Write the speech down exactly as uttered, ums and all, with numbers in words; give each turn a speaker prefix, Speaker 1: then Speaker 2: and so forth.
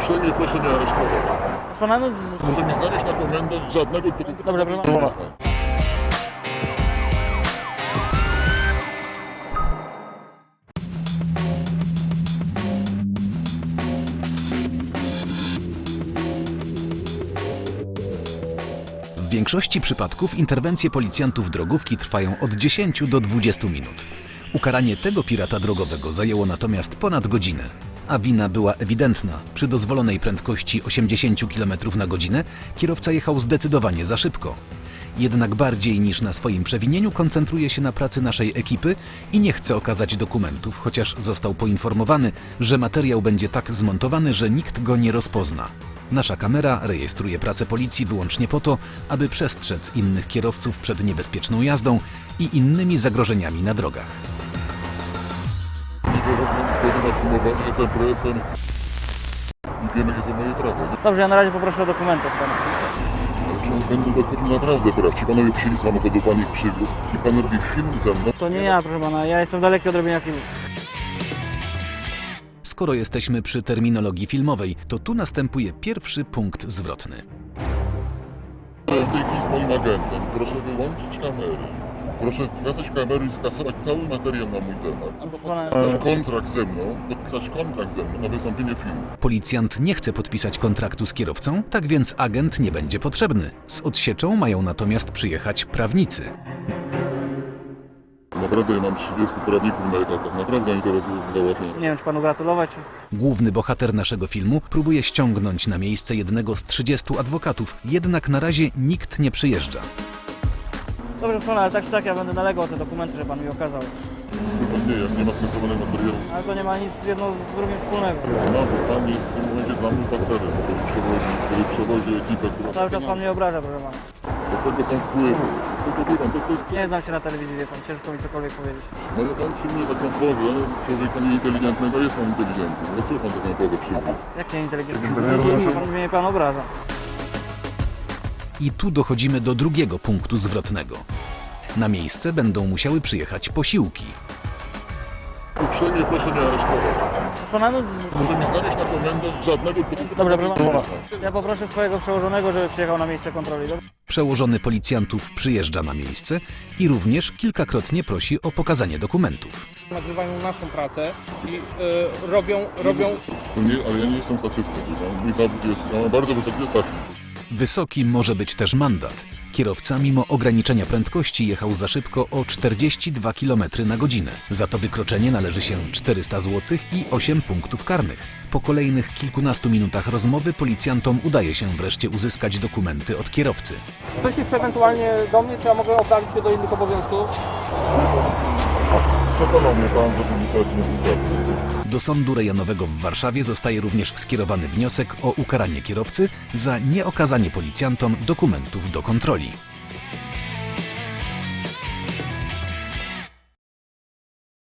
Speaker 1: Uprzejmie proszę nie aresztować.
Speaker 2: Pana, no...
Speaker 1: Proszę nie znaleźć na komendę żadnego typu...
Speaker 2: Dobra, proszę.
Speaker 3: W większości przypadków interwencje policjantów drogówki trwają od dziesięciu do dwudziestu minut. Ukaranie tego pirata drogowego zajęło natomiast ponad godzinę. A wina była ewidentna. Przy dozwolonej prędkości osiemdziesięciu kilometrów na godzinę kierowca jechał zdecydowanie za szybko. Jednak bardziej niż na swoim przewinieniu koncentruje się na pracy naszej ekipy i nie chce okazać dokumentów, chociaż został poinformowany, że materiał będzie tak zmontowany, że nikt go nie rozpozna. Nasza kamera rejestruje pracę policji wyłącznie po to, aby przestrzec innych kierowców przed niebezpieczną jazdą i innymi zagrożeniami na drogach.
Speaker 1: Nie wyrażam zgody na filmowanie, jestem presem i wiem, jakie są moje prawa.
Speaker 2: Dobrze, ja na razie poproszę o dokumenty od pana.
Speaker 1: Ale czy będą dochodzić naprawdę praw? Ci panowie wsiedli z samochodu, pan ich przywiózł i pan robi film ze mną?
Speaker 2: To nie ja, proszę pana, ja jestem daleki od robienia filmów.
Speaker 3: Skoro jesteśmy przy terminologii filmowej, to tu następuje pierwszy punkt zwrotny.
Speaker 1: W tej chwili z moim agentem proszę wyłączyć kamery. Proszę pokazać kamery i skasować cały materiał na mój temat. Albo podpisać kontrakt ze mną, podpisać kontrakt ze mną na wystąpienie filmu.
Speaker 3: Policjant nie chce podpisać kontraktu z kierowcą, tak więc agent nie będzie potrzebny. Z odsieczą mają natomiast przyjechać prawnicy.
Speaker 1: Naprawdę ja mam trzydziestu prawników na etatach, naprawdę oni to załatwiają.
Speaker 2: Nie wiem, czy panu gratulować.
Speaker 3: Główny bohater naszego filmu próbuje ściągnąć na miejsce jednego z trzydziestu adwokatów, jednak na razie nikt nie przyjeżdża.
Speaker 2: Dobrze, pana, ale tak czy tak ja będę nalegał o te dokumenty, że pan mi okazał.
Speaker 1: Chyba nie, jak nie ma skontrolowanego materiału.
Speaker 2: Ale to nie ma nic jedno z drugim wspólnego.
Speaker 1: No, bo pan jest w tym momencie dla mnie paserem, który przewozi, który przewozi ekipę, która...
Speaker 2: Cały czas pan mnie obraża, proszę pana.
Speaker 1: Do tego są wpływy. Tylko wie pan, to, to jest...
Speaker 2: Nie znam się na telewizji, wie pan, ciężko mi cokolwiek powiedzieć.
Speaker 1: No ale pan przyjmuje taką pozę człowieka nieinteligentnego, jest pan inteligentny. Dlaczego pan taką pozę przyjmuje?
Speaker 2: Jak nie inteligentny? Pan mnie pan obraża.
Speaker 3: I tu dochodzimy do drugiego punktu zwrotnego. Na miejsce będą musiały przyjechać posiłki.
Speaker 1: Uprzejmie proszę nie aresztować.
Speaker 2: Pana, no...
Speaker 1: Proszę nie znaleźć na komendę żadnego typu...
Speaker 2: Dobra, proszę pana. Ja poproszę swojego przełożonego, żeby przyjechał na miejsce kontroli. Dobrze?
Speaker 3: Przełożony policjantów przyjeżdża na miejsce i również kilkakrotnie prosi o pokazanie dokumentów.
Speaker 4: Nagrywają naszą pracę i y, robią, robią...
Speaker 1: To nie, ale ja nie jestem statystą. Mój zawód jest, ja mam bardzo wysokie stawki.
Speaker 3: Wysoki może być też mandat. Kierowca mimo ograniczenia prędkości jechał za szybko o czterdzieści dwa kilometry na godzinę. Za to wykroczenie należy się czterysta złotych i osiem punktów karnych. Po kolejnych kilkunastu minutach rozmowy policjantom udaje się wreszcie uzyskać dokumenty od kierowcy.
Speaker 4: Ktoś jest ewentualnie do mnie, czy ja mogę oddalić się do innych obowiązków?
Speaker 1: Przekonał mnie pan, żeby mi teraz nie wydarzyło.
Speaker 3: Do Sądu Rejonowego w Warszawie zostaje również skierowany wniosek o ukaranie kierowcy za nieokazanie policjantom dokumentów do kontroli.